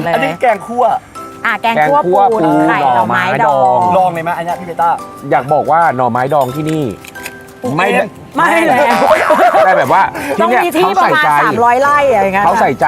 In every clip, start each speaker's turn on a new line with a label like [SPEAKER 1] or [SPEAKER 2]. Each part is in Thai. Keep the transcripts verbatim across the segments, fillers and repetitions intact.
[SPEAKER 1] เลย
[SPEAKER 2] อันนี้แกงคั่ว
[SPEAKER 1] อ่ะแกงคั่วปูไข่หน่อไม้ดอง
[SPEAKER 2] ลองเลยไหมอันนี้พี่เบต้า
[SPEAKER 3] อยากบอกว่าหน่อไม้ดองที่นี่
[SPEAKER 1] ไม่ไม่แล้ว
[SPEAKER 3] แต่แบบว่า
[SPEAKER 1] ต้องมีที่ประมาณสามร้อยไร่อะไรเงี้ย
[SPEAKER 3] เขาใส่ใจ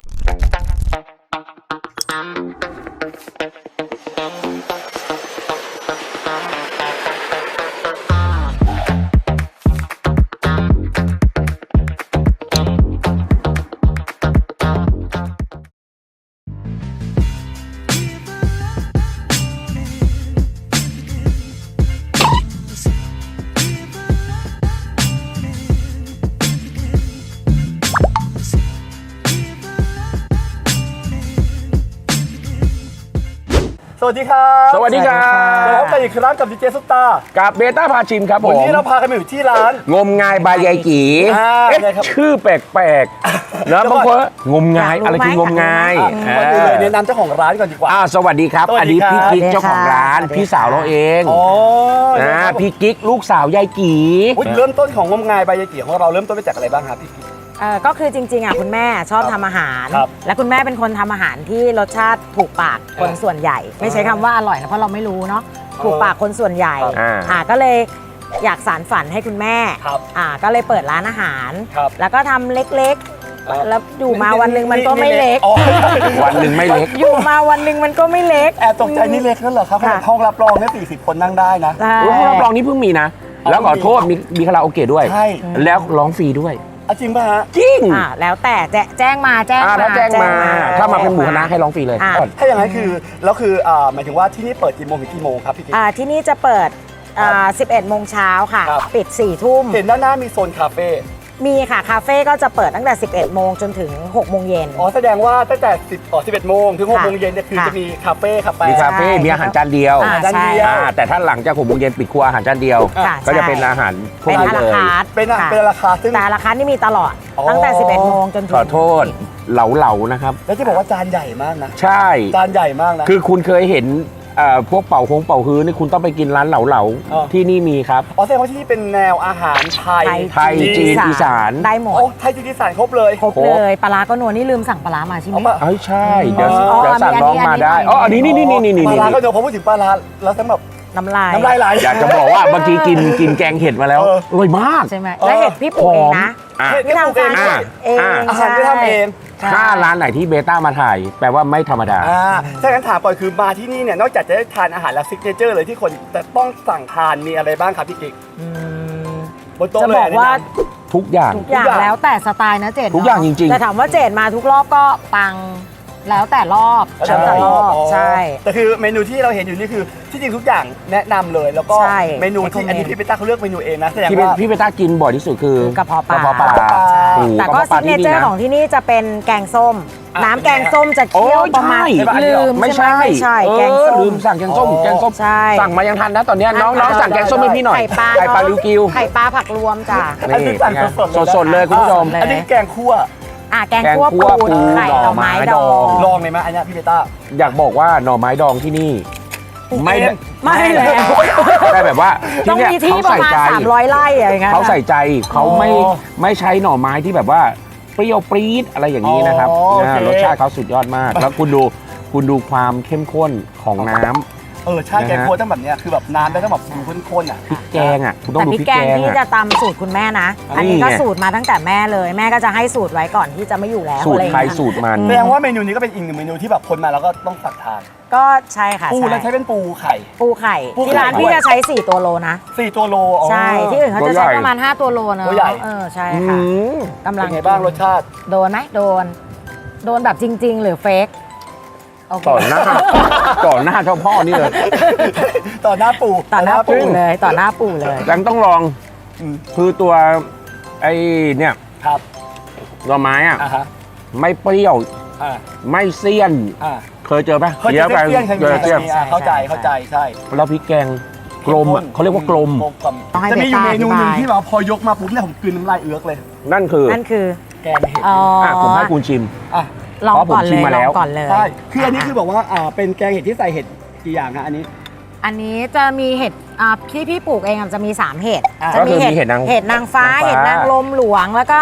[SPEAKER 2] สวัสดีครับ
[SPEAKER 3] สวัสดีครับ
[SPEAKER 2] เราพบกันอีกครั้งกับดีเจซุปตา
[SPEAKER 3] กับเบต้าพาชิมครับผม
[SPEAKER 2] วันนี้เราพากันมาอยู่ที่ร้าน
[SPEAKER 3] งมงายบายยายกีเอ๊ะชื่อแปลกๆนะบางคนงมงายอะไรคืองมงาย
[SPEAKER 2] ก่อนอื่นเลยแนะนำเจ้าของร้านก่อนดีกว่า
[SPEAKER 3] อ่าสวัสดีครับอันนี้พี่กิ๊กเจ้าของร้านพี่สาวเราเองนะพี่กิ๊กลูกสาวยายกี
[SPEAKER 2] เริ่มต้นของงมงายบายยายกีของเราเริ่มต้นมาจากอะไรบ้างครับพี่กิ๊ก
[SPEAKER 1] เออก็คือจริงๆอ่ะคุณแม่ชอบทำอาหารและคุณแม่เป็นคนทำอาหารที่รสชาติถูกปากคนส่วนใหญ่ไม่ใช้คำว่าอร่อยนะเพราะเราไม่รู้เนาะถูกปากคนส่วนใหญ่อ่าก็เลยอยากสานฝันให้คุณแม่อ่าก็เลยเปิดร้านอาหารแล้วก็ทำเล็กๆแล้วอยู่มาวันหนึ่งมันก็ไม่เล็ก
[SPEAKER 3] วันหนึ่งไม่เล็ก
[SPEAKER 1] อยู่มาวันหนึ่งมันก็ไม่เล็ก
[SPEAKER 2] แอบตกใจนี่เล็กนั่นเหรอครับห้องรับรองเนี่ยสี่สิบคนนั่งได้นะ
[SPEAKER 3] ห้องรับรองนี่เพิ่งมีนะแล้วขอโทษมีมีคาราโอเกะด้วยแล้วร้องฟรีด้วย
[SPEAKER 2] จริงป่ะฮะ
[SPEAKER 3] จริง
[SPEAKER 1] อ่าแล้วแต่แจ้งมาแจ้งมา
[SPEAKER 3] ถ้าแจ้งมาถ้ามาเป็นหมู่คณะให้ร้องฟรีเลย
[SPEAKER 2] ถ้าอย่างนั้นคือแล้วคืออ่าหมายถึงว่าที่นี่เปิดกี่โมงถึงกี่โมงครับพี่กิ๊ก
[SPEAKER 1] อ่าที่นี่จะเปิดอ่าสิบเอ็ดโมงเช้าค่ะปิดสี่ทุ่ม
[SPEAKER 2] เห็นด้านหน้ามีโซนคาเฟ่
[SPEAKER 1] มีค่ะคาเฟ่ก็จะเปิดตั้งแต่สิบเอ็ดโมงจนถึงหกโมงเย็น
[SPEAKER 2] อ๋อแสดงว่าตั้งแต่สิบอ๋อสิบเอ็ดโมงถึงหกโมงเย็นเนี่ยคือจะมีคาเฟ่คาเฟ่
[SPEAKER 3] มีคาเฟ่มีอาหารจานเดียว
[SPEAKER 2] จานเดียว
[SPEAKER 3] แต่ถ้าหลังจากหกโมงเย็นปิดครัวอาหารจานเดียวก็จะเป็นอาหารพวก
[SPEAKER 1] นี้เลย
[SPEAKER 2] เป็นเป็นราคาซึ่ง
[SPEAKER 1] แต่ราคานี่มีตลอดตั้งแต่สิบเอ็ดโมงจนถึง
[SPEAKER 3] ขอโทษเหลาๆนะครับ
[SPEAKER 2] แล้วที่บอกว่าจานใหญ่มากนะ
[SPEAKER 3] ใช่
[SPEAKER 2] จานใหญ่มากนะ
[SPEAKER 3] คือคุณเคยเห็นพวกเป่าคงเป่าฮื้อนี่คุณต้องไปกินร้านเหลาๆที่นี่มีครับ
[SPEAKER 2] อ๋อแสดงว่าที่นี่เป็นแนวอาหารไทย
[SPEAKER 3] ไทยจีนอีสาน
[SPEAKER 1] ได้หมด
[SPEAKER 2] โอ้ไทยจีนอีสานครบเลย
[SPEAKER 1] ครบเลยปลาก็นัวนี่ลืมสั่งปลามาใช่ไหม
[SPEAKER 3] เอ้ยใช่เดี๋ยวเดี๋ยวสั่งน้องมาได้อ๋ออันนี้นี่นี่นี่นี่
[SPEAKER 2] ปลาก็นัวพอพูดถึงปลาแล้วทั้งแบบ
[SPEAKER 1] น้ำลาย
[SPEAKER 2] น้ำลายไหล
[SPEAKER 3] อยากจะบอกว่าเมื่อกี้กินกินแกงเห็ดมาแล้วอร่อยมาก
[SPEAKER 1] ใช่ไหมแล้วเห็ดพี่ปลูกเองนะ
[SPEAKER 2] เห็ดพี่ปลูกเอง
[SPEAKER 1] เอง
[SPEAKER 2] อาหารที่ทำเอง
[SPEAKER 3] ถ้าร้านไหนที่เบต้ามาถ่ายแปลว่าไม่ธรรมดา
[SPEAKER 2] อ่าถ้างั้นถามก่อนคือมาที่นี่เนี่ยนอกจากจะได้ทานอาหารแล้วซิกเนเจอร์เลยที่คนจะต้องสั่งทานมีอะไรบ้างครับพี่กิ๊กบนโต๊ะเลยจะบอกว่า
[SPEAKER 3] ทุกอย่าง
[SPEAKER 1] ทุกอย่างแล้วแต่สไตล์นะเจด
[SPEAKER 3] ทุกอย่างจริงๆ
[SPEAKER 1] แต่ถามว่าเจดมาทุกรอบก็ปังแล้วแต่รอบแล้วแต่รอบใช่
[SPEAKER 2] แต่คือเมนูที่เราเห็นอยู่นี่คือที่จริงทุกอย่างแนะนำเลยแล้วก็เมนูที่อันนี้พี่เบต้าเขาเลือกเมนูเองนะแสดงว่า
[SPEAKER 3] พี่เบต้ากินบ่อยที่สุดคือก
[SPEAKER 1] ระเพาะปลาก
[SPEAKER 3] ระเพาะปลา
[SPEAKER 1] แต่ก็ซิกเนเจอร์ของที่นี่จะเป็นแกงส้มน้ำแกงส้มจะเคี่ยวประมาณลืม
[SPEAKER 3] ไม่ใช่
[SPEAKER 1] ไม่ใช่แกงส้ม
[SPEAKER 3] ลืมสั่งแกงส้มแกงส้มสั่งมายังทันนะตอนนี้น้องๆสั่งแกงส้มให้พี่หน่อย
[SPEAKER 1] ไข่ปลา
[SPEAKER 3] ไข่ปลาลิวกิว
[SPEAKER 1] ไข่ปลาผักรวมจ้ะ
[SPEAKER 2] นี่สั่ง
[SPEAKER 3] สดๆเลยคุณผู้ชม
[SPEAKER 2] อันนี้แกงคั่ว
[SPEAKER 1] อ่ะแกงคั่วปูไข่หน่อไม้ดอง
[SPEAKER 2] ลองเลยไหมอันนี้พี่เบต้า
[SPEAKER 3] อยากบอกว่าหน่อไม้ดองที่นี่
[SPEAKER 1] ไม่ไม่แล้ว
[SPEAKER 3] แต่แบบว่า
[SPEAKER 1] ต้องมีที่ประมาณสามร้อยไร่อะไรเงี้ย
[SPEAKER 3] เขาใส่ใจเขาไม่ไม่ใช้หน่อไม้ที่แบบว่าเปรี้ยวปรี๊ดอะไรอย่างนี้นะครับรสชาติเขาสุดยอดมากแล้วคุณดูคุณดูความเข้มข้นของน้ำ
[SPEAKER 2] เออใช่แกงคั่วต้องแบบเนี้ยคือแบบน้ำได้ต้องแบบข้นๆอ่ะ
[SPEAKER 3] พริกแกงอ่ะคุณต้องดู
[SPEAKER 1] พริกแกงที่จะตำสูตรคุณแม่นะอันนี้ก็สูตรมาตั้งแต่แม่เลยแม่ก็จะให้สูตรไว้ก่อนที่จะไม่อยู่แล้ว
[SPEAKER 3] สูตรใครสูตรมัน
[SPEAKER 2] แสดงว่าเมนูนี้ก็เป็นอีกหนึ่งเมนูที่แบบคนมาแล้วก็ต้องสั่งทาน
[SPEAKER 1] ก็ใช่ค่ะ
[SPEAKER 2] ปูแล้วใช้เป็นปูไข่
[SPEAKER 1] ปูไข่ที่ร้านพี่จะใช้สี่ตัวโลนะ
[SPEAKER 2] สี่ตัวโล
[SPEAKER 1] ใช่ที่อื่นเขาจะใช้ประมาณห้าตัวโลนะ
[SPEAKER 2] ตัวใหญ่
[SPEAKER 1] เออใช่ค่ะกำลัง
[SPEAKER 2] เป็นไงบ้างรสชาติ
[SPEAKER 1] โดนไหมโดนโดนแบบจริงๆหรือเฟก
[SPEAKER 3] ต่อหน้าต่อหน้าเจ้าพ่อนี่เลย
[SPEAKER 2] ต่อหน้าปู่
[SPEAKER 1] ต่อหน้าปู่เลยต่อหน้าปู่เลย
[SPEAKER 3] ยังต้องลองคือตัวไอ้เนี่ย
[SPEAKER 2] ครับ
[SPEAKER 3] หน่อไม้อ่ะไม่เปรี้ยวไม่เสี้ยนเคยเจอปะ
[SPEAKER 2] เยอะไปเจอเจอเข้าใจเข้าใจใช่
[SPEAKER 3] แล้วพริกแกงกลมอ่ะเขาเรียกว่ากลม
[SPEAKER 2] จะมีอยู่เมนูหนึ่งที่เราพอยกมาปุ๊บเนี่ยผมกลืนน้ำลายเอื้อกเลย
[SPEAKER 3] นั่นคือ
[SPEAKER 1] นั่นคือ
[SPEAKER 2] แกงเห็ด
[SPEAKER 3] ผมให้คุณชิม
[SPEAKER 1] อ่ะลองก่อนเลยลองก่อนเลย
[SPEAKER 2] ใช่คืออันนี้คือบอกว่าอ่าเป็นแกงเห็ดที่ใส่เห็ดกี่อย่างฮะอันนี้
[SPEAKER 1] อันนี้จะมีเห็ดอ่าที่พี่ปลูกเองจะมีสามเห็ด
[SPEAKER 3] จะมีเห็ด
[SPEAKER 1] เห็ดนางฟ้าเห็ดนางลมหลวงแล้วก็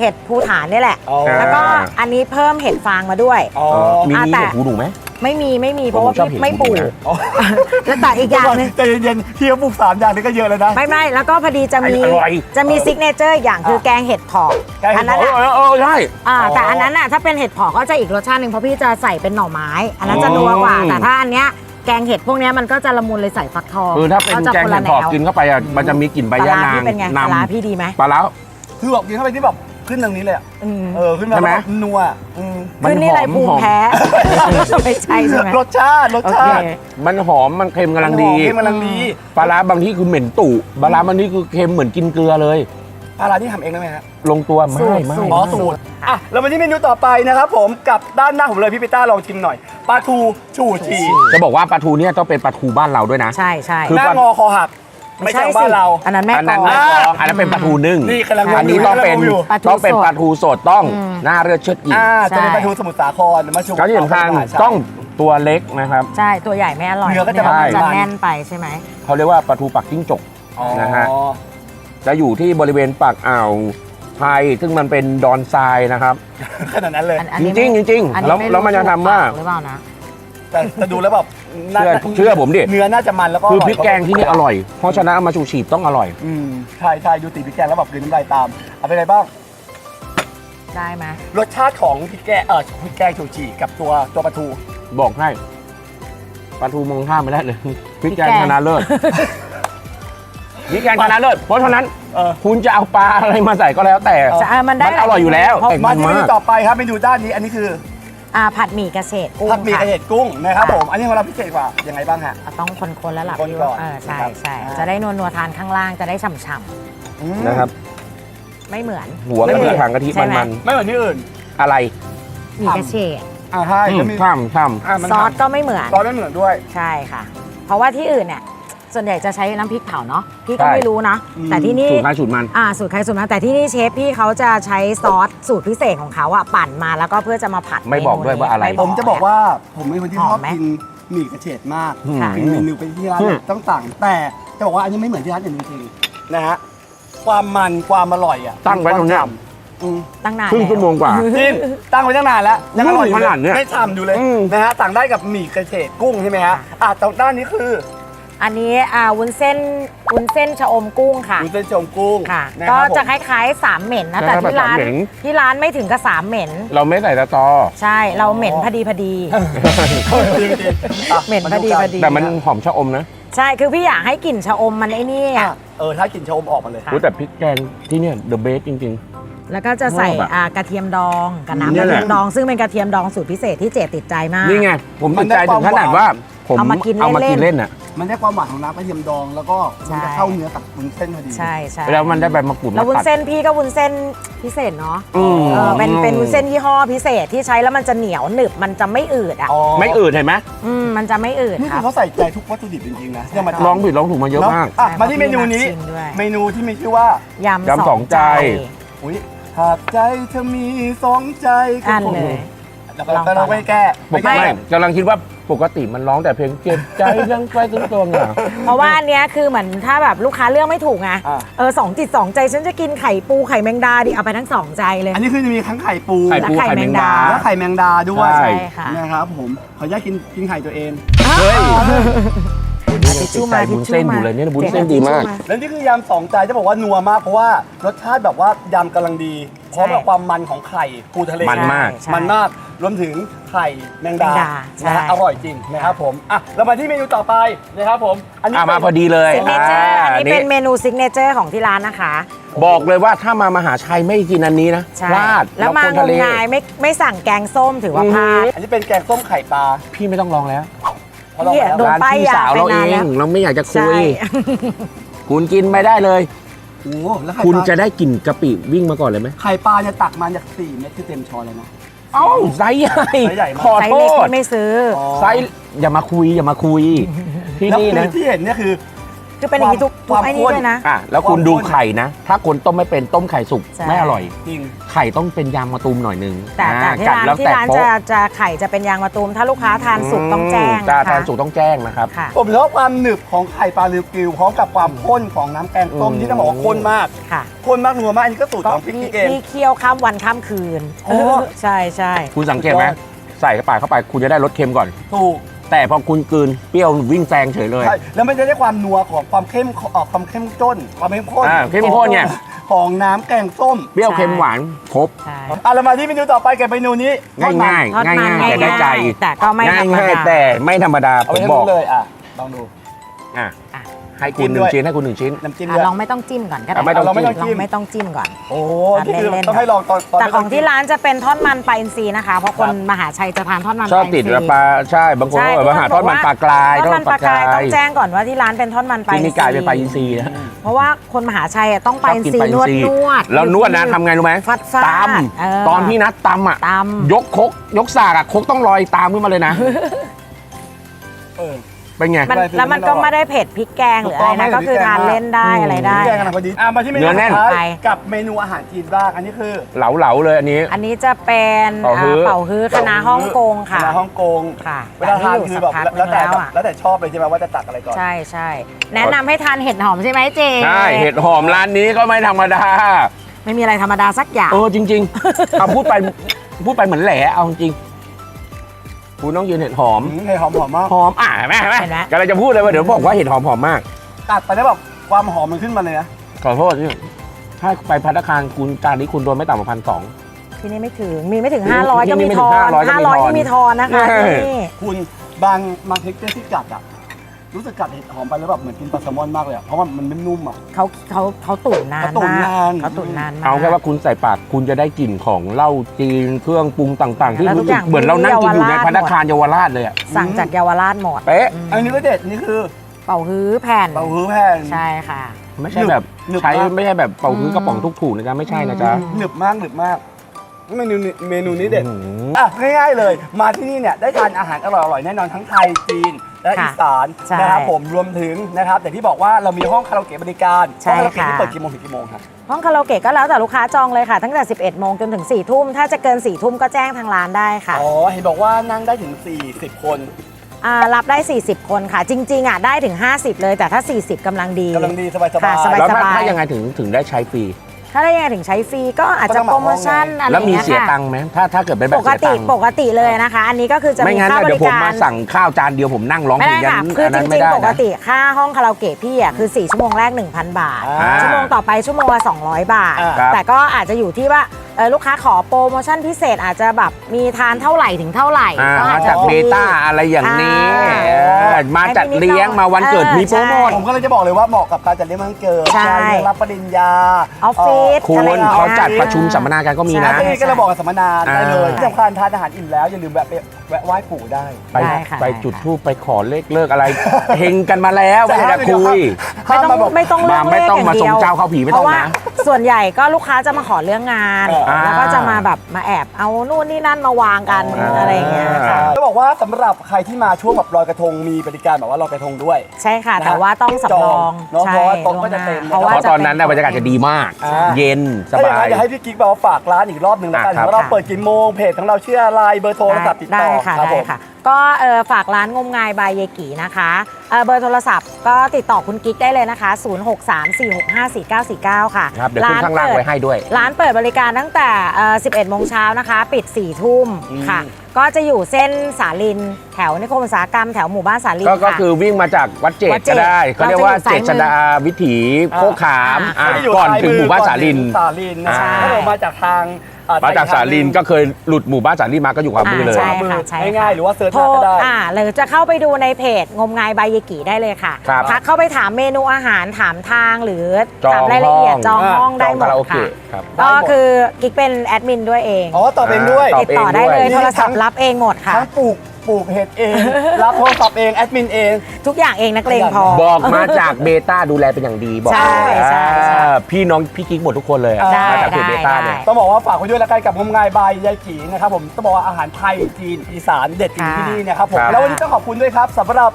[SPEAKER 1] เห็ดภูฐานนี่แหละ
[SPEAKER 2] อ๋อ
[SPEAKER 1] แล้วก็อันนี้เพิ่มเห็ดฟางมาด้วย
[SPEAKER 2] อ๋อ
[SPEAKER 3] มี
[SPEAKER 1] อ่ะ
[SPEAKER 3] มี
[SPEAKER 1] แต่
[SPEAKER 3] เห็ดหูหนูไหม
[SPEAKER 1] ไม่มีไม่มีเพราะว่า
[SPEAKER 3] ผมชอบ
[SPEAKER 1] พี่
[SPEAKER 3] เห็ด
[SPEAKER 1] ไม่ปลูก
[SPEAKER 3] หูนะ
[SPEAKER 2] อ๋อ
[SPEAKER 1] แล้วแต่อีกอย่างหนึง
[SPEAKER 2] ใจเย็นๆพี่เขาปลูกสามอย่างนี้ก็เยอะแล้วนะ
[SPEAKER 1] ไม่ไม่แล้วก็พอดีจะมี
[SPEAKER 3] อร่อย
[SPEAKER 1] จะมีซิกเนเจอร์อย่างคือแกงเห็ดเผาะ
[SPEAKER 2] แกงเห็ดเผาะ
[SPEAKER 1] อันนั้น
[SPEAKER 3] เอ
[SPEAKER 1] อะ
[SPEAKER 3] อเออใช่
[SPEAKER 1] อ่า
[SPEAKER 2] อ๋อ
[SPEAKER 1] แต่อันนั้นอ่ะถ้าเป็นเห็ดเผาะก็จะอีกรสชาติหนึ่งเพราะพี่จะใส่เป็นหน่อไม้ อันนั้นจะนัวกว่า
[SPEAKER 3] อืม
[SPEAKER 1] แต่ถ้าอันเนี้ยแกงเห็ดพวกเนี้ยมันก็จะละมุนเลยใส่ฟักทอง
[SPEAKER 3] คือถ้าเป็น
[SPEAKER 1] จะ
[SPEAKER 3] แกง
[SPEAKER 1] คน
[SPEAKER 3] เห็
[SPEAKER 1] ละ
[SPEAKER 3] ด
[SPEAKER 1] แน
[SPEAKER 3] ถอบ
[SPEAKER 1] ว
[SPEAKER 3] กินเข้าไปอ่ะมันจะมีกลิ่นใบ
[SPEAKER 1] ปลาร้าน
[SPEAKER 3] ยะนาง
[SPEAKER 1] พี่เป็นไงปลาร้าพี่ดีไหม
[SPEAKER 3] ปลาร้า
[SPEAKER 2] คือแบบกินเข้าไปที่แบบขึ้นตรงนี้เลยอะ
[SPEAKER 1] อืม
[SPEAKER 2] เออขึ้นมา
[SPEAKER 3] ใช่ไหม
[SPEAKER 2] แบบนัวอืม
[SPEAKER 3] มัน
[SPEAKER 1] คือนี่อะไร
[SPEAKER 3] หอม
[SPEAKER 1] ภูมิ
[SPEAKER 3] หอม
[SPEAKER 1] แพ้ ไม่ใช่ใช่ไหม
[SPEAKER 2] รสชาติรส
[SPEAKER 1] โอ
[SPEAKER 2] ชา
[SPEAKER 1] เค
[SPEAKER 2] ติ
[SPEAKER 3] มันหอมมันเค็มกำลังดี
[SPEAKER 2] ที่กำลังดี
[SPEAKER 3] ปลาร้าบางที่คือเหม็นตุปลาร้าบางที่คือเค็มเหมือนกินเกลือเลย
[SPEAKER 2] ปลาร้าที่ทำเองได้ไหมฮะ
[SPEAKER 3] ลงตัว
[SPEAKER 1] สู
[SPEAKER 3] ไม่
[SPEAKER 1] ตร
[SPEAKER 3] ไม่
[SPEAKER 1] สูตร
[SPEAKER 2] อ๋อสูตรอ่ะแล้วมาที่เมนูต่อไปนะครับผมกับด้านหน้าผมเลยพี่ปีต้าลองชิมหน่อยปลาทูชูชี
[SPEAKER 3] จะบอกว่าปลาทูเนี่ยต้องเป็นปลาทูบ้านเราด้วยนะ
[SPEAKER 1] ใช่ใช่
[SPEAKER 3] คือ
[SPEAKER 2] หน้างอคอหักไม่ใช่ของบ้านเรา
[SPEAKER 1] อันนั้นแม่
[SPEAKER 3] อัน
[SPEAKER 1] ก
[SPEAKER 3] นั้น
[SPEAKER 1] อ
[SPEAKER 3] ไม่
[SPEAKER 1] ง
[SPEAKER 3] กรองอันนั้นเป็นปลาทูนึ่ง
[SPEAKER 2] นี่กำลัง
[SPEAKER 3] อันนี้ต้องเป็น
[SPEAKER 2] อยู่
[SPEAKER 1] ปลาทู
[SPEAKER 3] ต้องเป็น
[SPEAKER 1] สด
[SPEAKER 3] ปลาทูสดต้อง
[SPEAKER 1] อืม
[SPEAKER 3] หน้าเลือดเชิดหยิ่ง
[SPEAKER 2] อ่า
[SPEAKER 1] ใช่
[SPEAKER 2] จะเป็นปลาทูสมุทรสาครมาชู
[SPEAKER 3] ก็ที่สำคัญ
[SPEAKER 2] ใช่
[SPEAKER 3] ต้องตัวเล็กนะครับ
[SPEAKER 1] ใช่ตัวใหญ่ไม่อร่อย
[SPEAKER 2] เนื้อก็จะ
[SPEAKER 1] มัน
[SPEAKER 2] มัน
[SPEAKER 1] จะแน่นไปใช่ไหม
[SPEAKER 3] เขาเรียกว่าปลาทูปักจิ้งจก
[SPEAKER 2] อ๋อ
[SPEAKER 3] นะฮะ จะอยู่ที่บริเวณปากอ่าวไทยซึ่งมันเป็นดอนทรายนะครับ
[SPEAKER 2] ขนาดนั้นเลย
[SPEAKER 1] อันอัน
[SPEAKER 3] จ
[SPEAKER 1] นี้
[SPEAKER 3] ริงๆ
[SPEAKER 1] ไม่
[SPEAKER 3] จริง
[SPEAKER 1] อัน
[SPEAKER 3] ๆ
[SPEAKER 1] นี้
[SPEAKER 3] แล้ว
[SPEAKER 1] ไม่
[SPEAKER 3] แล้วมันจะทำว่า
[SPEAKER 1] หรือเปล่านะ
[SPEAKER 2] แต่แต่ดูแล้วแบบน่า
[SPEAKER 3] เชื่อเชื่อผมดิ
[SPEAKER 2] เนื้อน่าจะมันแล้วก็
[SPEAKER 3] คือพริกแกงที่นี่อร่อย เพราะฉะนั้นเอามาชูชีพต้องอร่อย
[SPEAKER 2] อืมใช่ใช่ดูตีพริกแกงแล้วแบบกลืนน้ำลายตามเอาไปนไงบ้าง
[SPEAKER 1] ได้ไหม
[SPEAKER 2] รสชาติของพริกแกงเออพริกแกงชูชีกับตัวตัวปลาทู
[SPEAKER 3] บอกให้ปลาทูมองข้ามไม่ได้เลยพริกแกงชนะเลิศพริกแกงชนะเลิศเพราะฉะนั้น
[SPEAKER 2] เออ
[SPEAKER 3] คุณจะเอาปลาอะไรมาใส่ก็แล้วแต่
[SPEAKER 1] จะอ่ะมันได้
[SPEAKER 3] มันอร่อยอยู่แล้ว
[SPEAKER 1] เพราะ
[SPEAKER 2] มาที่เมนู
[SPEAKER 3] มาก
[SPEAKER 2] ต่อไปครับเมนูด้านนี้อันนี้คือ
[SPEAKER 1] อ่าผัดหมี่กระเฉดกุ้ง
[SPEAKER 2] ผัดหมี่กระ
[SPEAKER 1] ค่ะ
[SPEAKER 2] เห็ดกุ้งนะครับผมอันนี้ของเราพิเศษกว่ายังไงบ้างฮะ
[SPEAKER 1] อ่ะต้องคนๆแล้วล่ะ
[SPEAKER 2] คน
[SPEAKER 1] พี่
[SPEAKER 2] ก่
[SPEAKER 1] ว่า
[SPEAKER 2] อน
[SPEAKER 1] เออใช่
[SPEAKER 2] นะครับ
[SPEAKER 1] ใช่
[SPEAKER 2] อ่า
[SPEAKER 1] จะได้นัวนัวๆทานข้างล่างจะได้ฉ่ำ
[SPEAKER 2] อืม
[SPEAKER 3] นะครับ
[SPEAKER 1] ๆไม่เหมือน
[SPEAKER 3] หัวกะทิหางกะทิ
[SPEAKER 1] ใช่ไหม
[SPEAKER 3] มัน
[SPEAKER 2] ไม่เหมือนที่อื่น
[SPEAKER 3] ๆอะไร
[SPEAKER 1] หมี่กระเฉด
[SPEAKER 2] อ่าใช่
[SPEAKER 3] อื
[SPEAKER 2] ก็
[SPEAKER 3] ม
[SPEAKER 2] มี
[SPEAKER 3] ข้ามข้าม
[SPEAKER 2] อ่ามัน
[SPEAKER 1] ซอสก็ไม่เหมือน
[SPEAKER 2] ซอสไม่เหมือนด้วย
[SPEAKER 1] ใช่ค่ะ เพราะว่าที่อื่นเนี่ยส่วนใหญ่จะใช้น้ำพริกเผาเนาะพี่ก็
[SPEAKER 3] ใช่
[SPEAKER 1] ไม่รู้นะ
[SPEAKER 2] อืม
[SPEAKER 1] แต่ที่นี่
[SPEAKER 3] สูตรใครสูตรมัน
[SPEAKER 1] อ่าสูตรใครสูตรมันแต่ที่นี่เชฟพี่เขาจะใช้ซอสสูตรพิเศษของเขาอะปั่นมาแล้วก็เพื่อจะมาผัด
[SPEAKER 3] ไม่บอกด้วยว่าอะไร
[SPEAKER 1] ม่
[SPEAKER 2] ผมจะบอกว่าผมเป็นคนที่
[SPEAKER 1] ห
[SPEAKER 2] ช
[SPEAKER 1] อ
[SPEAKER 2] อ
[SPEAKER 1] ม
[SPEAKER 2] บ
[SPEAKER 1] ไหม
[SPEAKER 2] กินหมี่กระเฉดมาก
[SPEAKER 3] อืม
[SPEAKER 1] ค่ะ
[SPEAKER 2] กินเมนูไปที่ร้าน
[SPEAKER 3] อืม
[SPEAKER 2] เนี่ยต้องสั่งแต่จะบอกว่าอันนี้ไม่เหมือนที่ร้านอื่นจริงๆนะฮะความมันความอร่อยอ่ะ
[SPEAKER 3] ตั้งไว้ตรงเนี้ย
[SPEAKER 2] อืม
[SPEAKER 1] ตั้งนาน
[SPEAKER 3] ครึ่งชั่วโมงกว่า
[SPEAKER 2] จริงตั้งไว้ตั้งนานแล้วยังอร่อยอยู่
[SPEAKER 3] ขนาดเนี้ย
[SPEAKER 2] ไม่ทำอยู่เลย
[SPEAKER 3] อืม
[SPEAKER 2] นะฮะสั่งได้กับหมี่กระเฉดกุ้งใช่ไหมฮะอ่ะตรงด้านนี้คือ
[SPEAKER 1] อันนี้อ่าวุ้นเส้นวุ้นเส้นชะอมกุ้งค่ะ
[SPEAKER 2] วุ้นเส้นชมกุ้ง
[SPEAKER 1] ค่ะ
[SPEAKER 2] นะ
[SPEAKER 1] ก็
[SPEAKER 2] ครับผม
[SPEAKER 1] จะคล้ายๆสามเหม็นนะ
[SPEAKER 3] ใช่
[SPEAKER 1] แต่
[SPEAKER 3] ครับ
[SPEAKER 1] ที่ร้าน
[SPEAKER 3] สามเหม็น
[SPEAKER 1] ที่ร้านไม่ถึงกับสามเหม็น
[SPEAKER 3] เราไม่ใส่ตะตอ
[SPEAKER 1] ใช่เราเหม็นพอดีพอดี
[SPEAKER 2] จริงๆอ่ะ
[SPEAKER 1] เหม็นพอดีพอดี
[SPEAKER 3] แต่มันหอมชะอมนะ
[SPEAKER 1] ใช่คือพี่อยากให้กลิ่นชะอมมันไอ้นี่
[SPEAKER 2] อ่ะ
[SPEAKER 1] อะ
[SPEAKER 2] เออถ้ากลินชมออกมาเลย
[SPEAKER 3] อุ๊ยแต่พริกแกงที่เนี่ยเดอะเบสจริง
[SPEAKER 1] แล้วก็จะใส่
[SPEAKER 3] ชอบอะ
[SPEAKER 1] อ่ากระเทียมดองกับน้ำ
[SPEAKER 3] เนี่
[SPEAKER 1] ก
[SPEAKER 3] ย
[SPEAKER 1] ระ
[SPEAKER 3] แหละ
[SPEAKER 1] เทียมดอง ซึ่งเป็นกระเทียมดองสูตรพิเศษที่เจติดใจมาก
[SPEAKER 3] ๆ นี่ไง ผมติดใจถึงขนาดว่า ผม
[SPEAKER 1] เอามากิน
[SPEAKER 3] เอามากิน
[SPEAKER 1] เล่นๆ
[SPEAKER 3] เล่นอ่ะ
[SPEAKER 2] มันได้ความหวานของน้ำกระเทียมดอง แล้วก็มันจะ
[SPEAKER 1] ใช่
[SPEAKER 2] เข้าเนื้อกับวุ้นเส้นพอดี
[SPEAKER 1] ใช่ใช่
[SPEAKER 3] แล้วมันได้ใบมะกรูด
[SPEAKER 1] แล้ว
[SPEAKER 3] มา
[SPEAKER 1] วุ้น
[SPEAKER 3] ตัด
[SPEAKER 1] เส้นพี่ก็วุ้นเส้นพิเศษเนาะ
[SPEAKER 3] อืม
[SPEAKER 1] เออเป็นเป็นวุ้นเส้นยี่ห้อพิเศษที่ใช้แล้วมันจะเหนียวหนึบมันจะไม่อืดอ่ะ
[SPEAKER 2] อ๋อ
[SPEAKER 3] ไม่อืดเห็นไหม
[SPEAKER 1] อืมมันจะไม่อืด
[SPEAKER 2] นี่
[SPEAKER 1] ค
[SPEAKER 2] คื
[SPEAKER 1] รั
[SPEAKER 2] อบ เขาใส่ใจทุกวัตถุดิบจริงๆนะที่เอามา
[SPEAKER 3] ลอง
[SPEAKER 2] ทำ
[SPEAKER 3] ผิดลองถูกมาเยอะมาก
[SPEAKER 2] อ่ะ
[SPEAKER 1] ใช่
[SPEAKER 2] มาที่เมนูนี้
[SPEAKER 1] เพราะพี่นักชิมด้วย
[SPEAKER 2] เมนูที่มีชื่อว่าย
[SPEAKER 1] ำ
[SPEAKER 3] ยำสองใจ
[SPEAKER 2] อุ้ยหากใจเธอมีสองใจ
[SPEAKER 1] อันเลย
[SPEAKER 2] แล้วก็แล้วเราไม่แก้
[SPEAKER 3] ปก
[SPEAKER 2] ไม่
[SPEAKER 3] ติ
[SPEAKER 2] แก้
[SPEAKER 3] กำลังคิดว่าปกติมันร้องแต่เพลงเจ็บใจยังไปถึงตัวเหงา
[SPEAKER 1] เพราะว่าอันเนี้ยคือเหมือนถ้าแบบลูกค้าเลือกไม่ถูกไง
[SPEAKER 2] อ่ะ
[SPEAKER 1] เออสองจิตสองใจฉันจะกินไข่ปูไข่แมงดาดิเอาไปทั้งสองใจเลย
[SPEAKER 2] อันนี้คือจะมีทั้งไข่ปู
[SPEAKER 3] ไข่ปู
[SPEAKER 1] และไข่
[SPEAKER 3] ไข่แมงดา
[SPEAKER 1] แมงดา
[SPEAKER 2] และไข่แมงดาด้วย
[SPEAKER 3] ใช่
[SPEAKER 1] ใช่ค่ะ
[SPEAKER 2] นะครับผมขออนุญาตกินกินไข่ตัวเอง
[SPEAKER 3] เฮ้ย
[SPEAKER 1] ทิชชู่มา
[SPEAKER 3] ใส่
[SPEAKER 1] ทิ
[SPEAKER 3] วุ้
[SPEAKER 1] ช
[SPEAKER 3] น
[SPEAKER 1] ชู่
[SPEAKER 3] เส้น
[SPEAKER 1] มา
[SPEAKER 3] อยู่เลยเนี่ยวุ้นเส้นดีมาก
[SPEAKER 2] แล้วนี่คือยำสองใจจะบอกว่านัวมากเพราะว่ารสชาติแบบว่ายำกำลังดีพร้อมกับความมันของไข่ปูทะเล
[SPEAKER 3] มันมาก
[SPEAKER 1] ใช่
[SPEAKER 2] มันมากรวมถึงไข่แมงดา
[SPEAKER 1] แมงดาใช่
[SPEAKER 2] นะฮะอร่อยจริงนะครับผมอ่ะเรามาที่เมนูต่อไปนะครับผมอันนี้
[SPEAKER 3] อ่ะมาพอดีเลย
[SPEAKER 1] ซิกเนเจอร์
[SPEAKER 3] า
[SPEAKER 1] อันนี้เป็นเมนูซิกเนเจอร์ของที่ร้านนะคะ
[SPEAKER 3] บอกเลยว่าถ้ามามหาชัยไม่กินอันนี้นะ
[SPEAKER 1] ใช่
[SPEAKER 3] พลาด
[SPEAKER 1] แล้วมา
[SPEAKER 3] คน
[SPEAKER 1] ง
[SPEAKER 3] ทะ
[SPEAKER 1] ม
[SPEAKER 3] เล
[SPEAKER 1] งายไม่ไม่สั่งแกงส้มถือว่าพลาด
[SPEAKER 2] อันนี้เป็นแกงส้มไข่ปลา
[SPEAKER 3] พี่ไม่ต้องลองแล้ว
[SPEAKER 2] เพราะเรา
[SPEAKER 1] เหี้ย
[SPEAKER 2] แล้ว
[SPEAKER 1] โดน
[SPEAKER 3] ร้าน
[SPEAKER 1] ป้าย
[SPEAKER 3] พี่
[SPEAKER 1] ยา
[SPEAKER 3] สาวเรา
[SPEAKER 1] ไป
[SPEAKER 3] เอน
[SPEAKER 1] านแล้
[SPEAKER 3] ง
[SPEAKER 1] ว
[SPEAKER 3] เราไม่อยากจะคุ
[SPEAKER 1] ใช่
[SPEAKER 3] ย คุณกินไม่ได้เลย
[SPEAKER 2] โอ้โหแล้วไข่
[SPEAKER 3] คุณ
[SPEAKER 2] ปลา
[SPEAKER 3] จะได้กลิ่นกะปิวิ่งมาก่อนเลยไหม
[SPEAKER 2] ไข่ปลาเนี่ยตักมาจากสี่เม็ดคือเต็มช้อนเลยนะ
[SPEAKER 3] เอ้าไซส์ใหญ่
[SPEAKER 2] ไซส์ใหญ่มาก
[SPEAKER 3] ขอ
[SPEAKER 1] ไซส์
[SPEAKER 3] โท
[SPEAKER 1] เล็ก
[SPEAKER 3] ษ
[SPEAKER 1] ที่ไม่ซื้อ
[SPEAKER 2] อ๋อ
[SPEAKER 3] ไซส์อย่ามาคุยอย่ามาคุย ที่
[SPEAKER 2] แล้ว
[SPEAKER 3] นี่
[SPEAKER 2] คือ
[SPEAKER 3] นะ
[SPEAKER 2] ที่เห็นเนี่ยคือ
[SPEAKER 1] คือเป็นอย่างนี้ทุกทุกไอ้นี่ด้วยนะ
[SPEAKER 3] อ่ะแล้วคุณดูไข่นะ ถ้าคนต้มไม่เป็นต้มไข่สุก
[SPEAKER 1] ใช่
[SPEAKER 3] ไม่อร่อย
[SPEAKER 2] จริง
[SPEAKER 3] ไข่ต้องเป็นยางมะตูมหน่อยนึง
[SPEAKER 1] แต่แต่
[SPEAKER 3] อ่า
[SPEAKER 1] ที่
[SPEAKER 3] กัด
[SPEAKER 1] ร้าน
[SPEAKER 3] แล้ว
[SPEAKER 1] ที่
[SPEAKER 3] แตก
[SPEAKER 1] ร้าน
[SPEAKER 3] โป๊ะ
[SPEAKER 1] จะจะไข่จะเป็นยางมะตูมถ้าลูกค้าทานสุกต้องแจ้ง
[SPEAKER 3] จ้า
[SPEAKER 1] นะคะ
[SPEAKER 3] ทานสุกต้องแจ้งนะครับ
[SPEAKER 1] ค่ะ
[SPEAKER 2] ผมชอบความหนึบของไข่ปลาลิวกิวพร้อมกับความข้นของน้ำแกงต้ม
[SPEAKER 3] อืม
[SPEAKER 2] ที่ต้องบอกว่าข้นมาก
[SPEAKER 1] ค่ะ
[SPEAKER 2] ข้นมากนัวมากอันนี้ก็สูตร
[SPEAKER 1] ก็
[SPEAKER 2] ของพี่
[SPEAKER 1] มี
[SPEAKER 2] กิ๊กเอง
[SPEAKER 1] มีเคี่ยวข้ามวันข้ามคืน
[SPEAKER 2] โอ้
[SPEAKER 1] ใช่ใช่
[SPEAKER 3] คุณสังเกตไหมใส่เข้าไปเข้าไปคุณจะได้รสเค็มก่อน
[SPEAKER 2] ถูก
[SPEAKER 3] แต่พอคุณกลืนเปรี้ยววิ่งแซงเฉยเลย
[SPEAKER 2] ใช่แล้วมันจะได้ความนัวของความเข้มเอ่อความเข้มข้นความเข้มข้น
[SPEAKER 3] อ่าเข้มข้นเนี่ย
[SPEAKER 2] ของน้ำแกงส้ม
[SPEAKER 3] เปรี้ยวเค็มหวานครบ
[SPEAKER 1] ใช่
[SPEAKER 2] อ่ะเรามาที่เมนูต่อไปกับเมนูนี้
[SPEAKER 3] ง่าย
[SPEAKER 1] ทอด
[SPEAKER 3] ง่าย
[SPEAKER 1] มัน
[SPEAKER 3] ง่ายๆแต่ได้ใจ
[SPEAKER 1] แต่ก็ไม่ธรรม
[SPEAKER 3] ง่าย
[SPEAKER 1] ดา
[SPEAKER 3] ๆแต่ไม่ธรรมดา
[SPEAKER 2] เอา
[SPEAKER 3] ผ
[SPEAKER 2] ไป
[SPEAKER 3] ม
[SPEAKER 2] ให้
[SPEAKER 3] บ
[SPEAKER 2] ดู
[SPEAKER 3] อก
[SPEAKER 2] เลยอ่ะลองดู
[SPEAKER 3] อ่ะ
[SPEAKER 1] อ่ะ
[SPEAKER 3] ให้คุณหนึ่งชิ้นให้คุณหนึ่งชิ้น
[SPEAKER 2] น้ำจิ้ม
[SPEAKER 1] อ่ะ
[SPEAKER 2] ด้วย
[SPEAKER 1] ลองไม่ต้องจิ้มก่อนก็ได้
[SPEAKER 3] อ่ะไม่ต้อง
[SPEAKER 2] เราไม่ต้อง
[SPEAKER 1] ลอ
[SPEAKER 2] จิ้ม
[SPEAKER 1] งไม่ต้องจิ้มก่อน
[SPEAKER 2] โอ้
[SPEAKER 1] ตัด
[SPEAKER 2] ที่คือ
[SPEAKER 1] เล่นๆ
[SPEAKER 2] ต้องให้ลองตอนตอน
[SPEAKER 1] แต่ของที่
[SPEAKER 2] ไม่ต้
[SPEAKER 1] ร้านจะเป็นทอดมันปลาอินทรีนะคะ เพราะคนมหาชัยจะทานทอดมัน
[SPEAKER 3] ชอบ
[SPEAKER 1] ปลาอินทรี
[SPEAKER 3] ติดปลาใช่บางคนก็แบบว่าหาทอดมันปลากราย
[SPEAKER 1] ทอดมันปลากรายต้องแจ้งก่อนว่าที่ร้านเป็นทอดมันปลา
[SPEAKER 3] ที่
[SPEAKER 1] อิน
[SPEAKER 3] นี่
[SPEAKER 1] ท
[SPEAKER 3] กลายเป็นปลา
[SPEAKER 1] รี
[SPEAKER 3] อินทรีนะ
[SPEAKER 1] เพราะว่าคนมหาชัยอะต้องปลาอินทรี
[SPEAKER 3] ชอบกิ
[SPEAKER 1] นวด
[SPEAKER 3] ปลาอิ
[SPEAKER 1] นวด
[SPEAKER 3] แล้วนวดนะทำไงรู้ไหม
[SPEAKER 1] ฟัดฟาด
[SPEAKER 3] ต
[SPEAKER 1] เออ
[SPEAKER 3] ำตอนพี่นัดตำอ่ะ
[SPEAKER 1] ตำ
[SPEAKER 3] ยกครกยกสากอ่ะครกต้องลอยตามขึ้นมาเลยนะ
[SPEAKER 2] เออ
[SPEAKER 3] เป็นไง
[SPEAKER 1] มันแล้วมันก็ไม่ได้เผ็ดพริกแกงหรืออะไรนะก็คือทานเล่นได้อะไรได้
[SPEAKER 2] แกงกันพอดีอ่ะมาที่เมนู
[SPEAKER 3] เนื้อแน่น
[SPEAKER 2] สุดท้าย
[SPEAKER 1] ไป
[SPEAKER 2] กับเมนูอาหารจีนบ้างอันนี้คือ
[SPEAKER 3] เหลาๆเลยอันนี้
[SPEAKER 1] อันนี้จะเป็น
[SPEAKER 3] เป่าฮื้อ
[SPEAKER 1] อ่าเป่าฮื้อคณะฮ่องกงค่ะ
[SPEAKER 2] คณะฮ่องกง
[SPEAKER 1] ค่ะ
[SPEAKER 2] เวลาทานคือแบบ
[SPEAKER 1] อันนี้อยู่
[SPEAKER 2] แล้วแต่
[SPEAKER 1] สักพักหนึ่งแล้วอะ
[SPEAKER 2] แล้วแต่ชอบเลยใช่ไหมว่าจะตักอะไรก่อน
[SPEAKER 1] ใช่ใช่แนะนำให้ทานเห็ดหอมใช่ไหมเจ
[SPEAKER 3] ใช่เห็ดหอมร้านนี้ก็ไม่ธรรมดา
[SPEAKER 1] ไม่มีอะไรธรรมดาสักอย่าง
[SPEAKER 3] เออจริงๆเอาพูดไปพูดไปเหมือนแหล่เอาจริงคุณต้องยืนเห็ดหอม
[SPEAKER 2] อืมให้หอมหอมมาก
[SPEAKER 3] หอมอ่ะแม่แม่
[SPEAKER 1] เห็นไหม
[SPEAKER 3] กำลังจะพูดเลยว่าเดี๋ยวบอกว่าเห็ดหอมหอมมาก
[SPEAKER 2] กัดไปแล้วแบบความหอมมันขึ้นมาเลยนะ
[SPEAKER 3] ขอโทษที่ถ้าไปพัตตาคารคุณจานนี้คุณโดนไม่ต่ำกว่าพันสอง
[SPEAKER 1] ที่นี่ไม่ถึงมีไม่ถึง ห้าร้อย
[SPEAKER 3] ที่
[SPEAKER 1] ก็
[SPEAKER 3] นี่
[SPEAKER 1] มี
[SPEAKER 3] ไม่
[SPEAKER 1] ท
[SPEAKER 3] ถึ
[SPEAKER 1] อง น
[SPEAKER 3] ห้าร้อยก็มี
[SPEAKER 1] ห้าร้อย
[SPEAKER 3] ทอน
[SPEAKER 1] ก็มีทอนนะคะ
[SPEAKER 3] ใช่
[SPEAKER 1] ที่นี่
[SPEAKER 2] คุณบางบางเทคเจอร์ที่กัดอ่ะรู้สึกกัดเห็ดหอมไปแล้วแบบเหมือนกินปลาแซลมอนมากเลยอะเพราะว่ามันนุ่มๆอ่ะ
[SPEAKER 1] เขาเขาเขาตุ๋นนาน
[SPEAKER 2] เขาตุ๋น
[SPEAKER 1] มาก
[SPEAKER 2] นาน
[SPEAKER 1] เขาตุ๋นนานมาก
[SPEAKER 3] เอาแค่ว่าคุณใส่ปากคุณจะได้กลิ่นของเหล้าจีนเครื่องปรุงต่างๆ ที่
[SPEAKER 1] แล้วทุ
[SPEAKER 3] รู้
[SPEAKER 1] ก
[SPEAKER 3] สึ
[SPEAKER 1] อก ย่าง
[SPEAKER 3] เหมือนเรานั่งกินอยู่ใน
[SPEAKER 1] เยาวราช
[SPEAKER 3] พัตตาคารเยาวราชเลยอ่ะ
[SPEAKER 1] สั่งจากเยาวราชหมด
[SPEAKER 3] เป๊ะ
[SPEAKER 1] อืม
[SPEAKER 2] อันนี้ก็เด็ดนี่คือ
[SPEAKER 1] เป่าฮื้อแผ่น
[SPEAKER 2] เต้าหู้แผ่น
[SPEAKER 1] ใช่ค่ะ
[SPEAKER 3] ไม่ใช่แบบ
[SPEAKER 2] หนึบ
[SPEAKER 3] ใช้
[SPEAKER 2] มาก
[SPEAKER 3] ไม่ใช่แบบเป่าฮื้อกระป๋องทุกถูกนะจ๊ะไม่ใช่นะจ๊ะ
[SPEAKER 2] หนึบมากหนึบมากเมนูนี้เมนูนี้เด็ด
[SPEAKER 3] อื้อหือ
[SPEAKER 2] อ่ะง่ายๆเลย มาที่นี่เนี่ยได้ทานอาหารอร่อยๆแน่นอนทั้งไทยจีนและ
[SPEAKER 1] ค่ะ
[SPEAKER 2] อีสาน
[SPEAKER 1] ใช่
[SPEAKER 2] นะครับผมรวมถึงนะครับแต่ที่บอกว่าเรามีห้องคาราโอเกะบริการ
[SPEAKER 1] ใช่
[SPEAKER 2] ห้องคาราโอเกะที่
[SPEAKER 1] ค่ะ
[SPEAKER 2] เปิดกี่โมงถึงกี่โมงครับ
[SPEAKER 1] ห้องคาราโอเกะก็แล้วแต่ลูกค้าจองเลยค่ะ ตั้งแต่ สิบเอ็ดโมงจนถึง สี่ทุ่มถ้าจะเกิน สี่ทุ่มก็แจ้งทางร้านได้ค่ะ
[SPEAKER 2] อ๋อเห็นบอกว่านั่งได้ถึง สี่สิบ คน
[SPEAKER 1] อ่ารับได้ สี่สิบ คนค่ะ จริง ๆอ่ะได้ถึง ห้าสิบ เลยแต่ถ้า สี่สิบกำลังดี
[SPEAKER 2] กำลังดีสบายๆ
[SPEAKER 1] ค่ะสบาย
[SPEAKER 3] แล้วถ้าถ้ายังไงถึงถึงได้ใช้ฟรี
[SPEAKER 1] ถ้าได้ยังไงถึงใช้ฟรีก็อาจจะ
[SPEAKER 2] ก็ต้อง
[SPEAKER 1] โปรโมชั่น
[SPEAKER 2] เหมา
[SPEAKER 1] อะไร
[SPEAKER 3] แล้วมี
[SPEAKER 1] เงี้ย
[SPEAKER 3] เสีย
[SPEAKER 1] ค่ะ
[SPEAKER 3] ตังค์ไหมถ้าถ้าเกิดเป็นแบบ
[SPEAKER 1] ปก
[SPEAKER 3] เสีย
[SPEAKER 1] ติ
[SPEAKER 3] ตังค์
[SPEAKER 1] ปกติเลยนะคะ อันนี้ก็คือจะ
[SPEAKER 3] ไม่
[SPEAKER 1] มี
[SPEAKER 3] งั้น
[SPEAKER 1] ค่า
[SPEAKER 3] น่ะ
[SPEAKER 1] บ
[SPEAKER 3] เดี๋ย
[SPEAKER 1] ริ
[SPEAKER 3] วผม
[SPEAKER 1] การ
[SPEAKER 3] มาสั่งข้าวจานเดียวผมนั่งร้อง
[SPEAKER 1] ไม่
[SPEAKER 3] เพล
[SPEAKER 1] ได้
[SPEAKER 3] งยั
[SPEAKER 1] ค่ะ
[SPEAKER 3] น
[SPEAKER 1] คือ
[SPEAKER 3] อัน
[SPEAKER 1] จ
[SPEAKER 3] นั้น
[SPEAKER 1] ริ
[SPEAKER 3] ไม่
[SPEAKER 1] ง
[SPEAKER 3] ได้
[SPEAKER 1] ๆ ปก
[SPEAKER 3] นะ
[SPEAKER 1] ติค่าห้องคาราโอเกะพี่อ่ะคือ สี่ ชั่วโมงแรก หนึ่งพัน บาท
[SPEAKER 2] อ่า
[SPEAKER 1] ชั่วโมงต่อไปชั่วโมงละสองร้อย บาท
[SPEAKER 2] อ่า
[SPEAKER 3] ครับ
[SPEAKER 1] แต่ก็อาจจะอยู่ที่ว่าเอ่อลูกค้าขอโปรโมชั่นพิเศษอาจจะแบบมีทานเท่าไหร่ถึงเท่าไหร่
[SPEAKER 3] อ่า
[SPEAKER 1] ก็
[SPEAKER 3] มา
[SPEAKER 1] อาจจะ
[SPEAKER 3] จาก
[SPEAKER 1] ฟ
[SPEAKER 3] เบ
[SPEAKER 1] รี
[SPEAKER 3] ต้าอะไรอย่างนี้
[SPEAKER 1] อ่า
[SPEAKER 3] เออมาจัดเลี้ยงมาวันเกิด
[SPEAKER 1] เออ
[SPEAKER 3] มีโปรโมท
[SPEAKER 1] ใช่
[SPEAKER 2] ผมก็เลยจะบอกเลยว่าเหมาะกับการจัดเลี้ยงวันเกิด
[SPEAKER 1] ใช่
[SPEAKER 2] การเลี้ยงรับปริญญา
[SPEAKER 1] ออฟฟิศ
[SPEAKER 3] คุณ
[SPEAKER 1] อะไรอย่างเงี้ย
[SPEAKER 3] เขาจัดประชุมสัมมนากันก็มี
[SPEAKER 1] ใช่
[SPEAKER 3] นะ
[SPEAKER 2] ที่นี่ก็เราบอกกับสัมมนาได้เลย
[SPEAKER 3] อ่า
[SPEAKER 2] ที่สำคัญทานอาหารอิ่มแล้วอย่าลืมแวะไปแวะไหว้ปู่ได้
[SPEAKER 3] ไป
[SPEAKER 1] ได้ค่ะ
[SPEAKER 3] ไป
[SPEAKER 1] ได้
[SPEAKER 3] จุด
[SPEAKER 1] ค่ะ
[SPEAKER 3] ทูปไปขอเลขเลิกอะไร เฮงกันมาแล้วไม่ได้จะคุย
[SPEAKER 1] ไม่ต้อง
[SPEAKER 2] ห้าาบอก
[SPEAKER 1] ไม่ต้องเลือก
[SPEAKER 3] มาไม่
[SPEAKER 1] เลข
[SPEAKER 3] ต้อง
[SPEAKER 1] อย่าง
[SPEAKER 3] มา
[SPEAKER 1] เดี
[SPEAKER 3] ทรง
[SPEAKER 1] ยว
[SPEAKER 3] เจ้าเข้าผีไม่
[SPEAKER 1] เพ
[SPEAKER 3] ต้อง
[SPEAKER 1] ราะว่า
[SPEAKER 3] นะ
[SPEAKER 1] ส่วนใหญ่ก็ลูกค้าจะมาขอเรื่องงาน
[SPEAKER 2] อ่า
[SPEAKER 1] แล้วก็จะมาแบบมาแอบเอานู่นนี่นั่นมาวางกัน
[SPEAKER 3] อ่า
[SPEAKER 1] อะไรอย่างเงี้ยค่ะ
[SPEAKER 2] จะบอกว่าสำหรับใครที่มาช่วงแบบลอยกระทงมีบริการแบบว่าลอยกระทงด้วย
[SPEAKER 1] ใช่ค่ะ
[SPEAKER 2] นะ
[SPEAKER 1] แต่ว่าต้องสำรอง
[SPEAKER 2] จองเนอะ
[SPEAKER 1] ใช่
[SPEAKER 2] เพราะว่าโต๊ะก็จะเต็ม
[SPEAKER 1] เพราะ
[SPEAKER 3] เพ
[SPEAKER 1] ว่า
[SPEAKER 3] ราะตอนนั้นน่ะบรรยากาศจะดีมาก
[SPEAKER 2] อ่า
[SPEAKER 3] เย็นส
[SPEAKER 2] ถ้าอย่าง
[SPEAKER 3] บา
[SPEAKER 2] นั้น
[SPEAKER 3] ย
[SPEAKER 2] จะให้พี่กิ๊กแบบว่าฝากร้านอีกรอบหนึ่งแล้วกัน
[SPEAKER 3] อ่าครับ
[SPEAKER 2] ว่าเราเปิดกี่โมงเพจของเราชื่ออะไรเบอร์โทรศัพท์ติดต่
[SPEAKER 1] ได้
[SPEAKER 2] อ
[SPEAKER 1] ค่ะ
[SPEAKER 2] ครับ
[SPEAKER 1] ได้
[SPEAKER 2] ผม
[SPEAKER 1] ค่ะ ก็เออฝากร้านงมงายบายเยกีนะคะเออเบอร์โทรศัพท์ก็ติดต่อคุณกิ๊กได้เลยนะคะ ศูนย์ หก สาม สี่ หก ห้า สี่ เก้า สี่ เก้า ค่ะ
[SPEAKER 3] ครับเดี๋ยวขึ้นข้างล่างไว้ให้ด้วย
[SPEAKER 1] ร้านเปิดบริการตั้งแต่เอ่อสิบเอ็ดโมงเช้านะคะ ปิด สี่ ทุ่ม
[SPEAKER 2] อืม
[SPEAKER 1] ค่ะ ก็จะอยู่เส้นสาลินแถวนิคมอุตสาหกรรมแถวหมู่บ้านสาลิน
[SPEAKER 3] ก็ก็
[SPEAKER 1] ค่ะ
[SPEAKER 3] คือวิ่งมาจากวัดเจด
[SPEAKER 1] วัดเจ
[SPEAKER 3] ก็
[SPEAKER 1] ด
[SPEAKER 3] ได้เขาเรียกว่า
[SPEAKER 1] เราจะอยู่
[SPEAKER 3] เจ
[SPEAKER 1] ซ้ายมือ
[SPEAKER 3] ษดาวิถีโคกขาม
[SPEAKER 1] อ่า
[SPEAKER 3] อ่ะ
[SPEAKER 2] ไม่ได้ยู่
[SPEAKER 3] ก่อน
[SPEAKER 2] ซ้ย
[SPEAKER 3] ถึงหมู่บ้าน
[SPEAKER 2] ก่อ
[SPEAKER 3] สาลิน
[SPEAKER 2] ถึงสาลินนะ
[SPEAKER 1] ใช่
[SPEAKER 2] ถ้าเรามาจากทางเอ่อ
[SPEAKER 3] มาจากสาลิน
[SPEAKER 2] ทง
[SPEAKER 3] ก็เคยหลุดหมู่บ้านสาลินมาก็อยู่ขวามือเลย
[SPEAKER 1] ใช่ค่ะใช่ค่ะ
[SPEAKER 2] ง่ายๆหรือว่าเซิร์ช
[SPEAKER 1] โทร
[SPEAKER 2] มาก็ได้
[SPEAKER 1] อ่าหรือจะเข้าไปดูในเพจงมงายบายเยกีได้เลยค่ะ
[SPEAKER 3] ครับ
[SPEAKER 1] ทักเข้าไปถามเมนูอาหารถามทางหรือ
[SPEAKER 3] จอง
[SPEAKER 1] ถามรายละเอียด
[SPEAKER 3] ห้อง
[SPEAKER 1] จองห้องได้หม
[SPEAKER 3] คา
[SPEAKER 1] ด
[SPEAKER 3] ราโอ
[SPEAKER 1] ค่ะ
[SPEAKER 3] เกะครับ
[SPEAKER 1] ก็คือกิ๊กเป็นแอดมินด้วยเอง
[SPEAKER 2] อ๋อตอบเองด้วย
[SPEAKER 3] ตอบ
[SPEAKER 1] ติดต่อได้เลย
[SPEAKER 2] เองด้วย
[SPEAKER 1] โทรศัพท์รับเองหมดค่ะ
[SPEAKER 2] ทั้งปลูกปลูกเห็ดเอง รับโทรศัพท์เองแอดมินเอง
[SPEAKER 1] ทุกอย่างเองนักเลงพอ
[SPEAKER 3] บอกมาจากเบต้าดูแลเป็นอย่างดีบอก
[SPEAKER 1] ใช่ใช่ใช่
[SPEAKER 3] อ่าพี่น้องพี่กิ๊กหมดทุกคนเลยอะ
[SPEAKER 1] ได้
[SPEAKER 3] มาจากเพจ
[SPEAKER 1] ได้
[SPEAKER 3] เบต้า
[SPEAKER 1] ได้
[SPEAKER 3] เนี่ย
[SPEAKER 2] ต้องบอกว่าฝากไว้ด้วยแล้วกันกับงมงายบายยายจีนะครับผมต้องบอกว่าอาหารไทยจีนอีสานเด็ดจริง
[SPEAKER 1] ค่ะ
[SPEAKER 2] ที่นี่นะครับผม
[SPEAKER 3] ครับ
[SPEAKER 2] แล้ววันนี้ต้องขอบคุณด้วยครับสำหรับ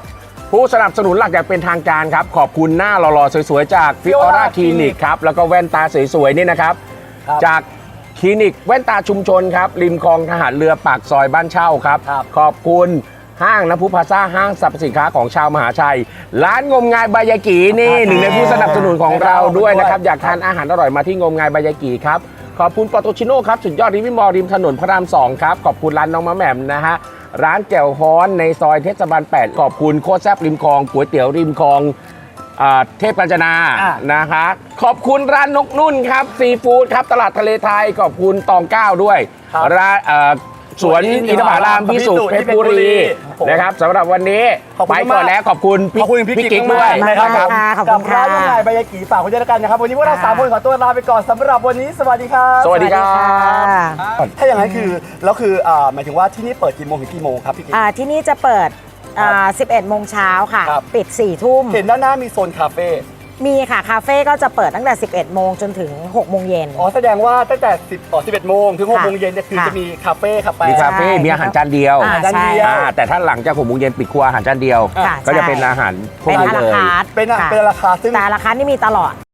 [SPEAKER 3] ผู้สนับสนุนหลักอย่างเป็นทางการครับขอบคุณหน้าหล่อๆสวยๆจากฟิออร่าคลินิกครับแล้วก็แว่นตาสวยๆนี่นะครับ
[SPEAKER 2] ครับ
[SPEAKER 3] จากคลินิกแว่นตาชุมชนครับริมคลองทหารเรือปากซอยบ้านเช่าครับ
[SPEAKER 2] ครับ
[SPEAKER 3] ขอบคุณห้างน้ำพุพลาซ่าห้างสรรพสินค้าของชาวมหาชัย ร้านงมงายบายากินี่หนึ่งในผู้สนับสนุนของเราด้วยนะครับอยากทานอาหารอร่อยมาที่งมงายบายากิครับขอบคุณปอโตชิโน่ครับสุดยอดริมมอลริมถนนพระรามสองครับขอบคุณร้านน้องมะแหม่มนะฮะร้านแจ่วฮ้อนในซอยเทศบาลแปดขอบคุณโคตรแซ่บริมคลองก๋วยเตี๋ยวริมคลองอ่าเทพกาญจนา
[SPEAKER 2] อ่ะ
[SPEAKER 3] นะคะขอบคุณร้านนกนุ่นครับซีฟู้ดครับตลาดทะเลไทยขอบคุณตองเก้าด้วย
[SPEAKER 2] ครับ
[SPEAKER 3] ร้านเอ่อสวนอินทผลัมพิสุทธิ์เพชรบุรีนะครับสำหรับวันนี้
[SPEAKER 2] ขอบคุณ
[SPEAKER 3] ไปก่อน
[SPEAKER 2] มาก
[SPEAKER 3] แล้วขอบคุณ
[SPEAKER 2] ขอบคุณพี่กิ๊ก
[SPEAKER 3] ด้
[SPEAKER 2] ด้
[SPEAKER 3] ว
[SPEAKER 2] วย ยนะครับ
[SPEAKER 1] มากค่ะขอบคุณ
[SPEAKER 2] กับร้าน
[SPEAKER 1] ค่ะ
[SPEAKER 2] ยังไงบายากิฝากคุณด้วยแล้วกันนะครับวันนี้พวกเราสามคนขอตัวลาไปก่อนสำหรับวันนี้สวัสดีครับ
[SPEAKER 3] สวัสดีครับ
[SPEAKER 2] ถ้าอย่างนั้นคือแล้วคืออ่าหมายถึงว่าที่นี่เปิดกี่โมงถึงกี่โมงครับพี่กิ๊ก
[SPEAKER 1] อ่าที่นี่จะเปิดอ่าสิบเอ็ดโมงเช้าค่ะ
[SPEAKER 2] ครับ
[SPEAKER 1] ปิดสี่ทุ่ม
[SPEAKER 2] เห็นด้านหน้ามีโซนคาเฟ่
[SPEAKER 1] มีค่ะ คาเฟ่ก็จะเปิดตั้งแต่ สิบเอ็ดโมงจนถึง หกโมงเย็น
[SPEAKER 2] อ๋อแสดงว่าตั้งแต่สิบอ๋อสิบเอ็ดโมงถึงหก
[SPEAKER 1] ค่ะ
[SPEAKER 2] โมงเย็นเนี่ยคือ
[SPEAKER 1] ค่ะ
[SPEAKER 2] จะมีคาเฟ่คาเฟ่
[SPEAKER 3] มีคาเฟ่
[SPEAKER 1] ใช่
[SPEAKER 3] มีอาหารจานเดียว
[SPEAKER 1] อ่า
[SPEAKER 2] จาน
[SPEAKER 1] ใช่
[SPEAKER 2] เดียว
[SPEAKER 3] อ่าแต่ถ้าหลังจากหกโมงเย็นปิดครัวอาหารจานเดียว
[SPEAKER 1] ค่ะ
[SPEAKER 3] ก็จะ
[SPEAKER 1] ใช่
[SPEAKER 3] เป็นอาหารพวก
[SPEAKER 1] เป็น
[SPEAKER 3] นี้
[SPEAKER 1] อา
[SPEAKER 3] เล
[SPEAKER 1] ราย คาร์ท
[SPEAKER 2] เป็นอะ
[SPEAKER 1] ค่ะ
[SPEAKER 2] เป็นราคาซึ่ง
[SPEAKER 1] แต่ราคาร์ทนี่มีตลอด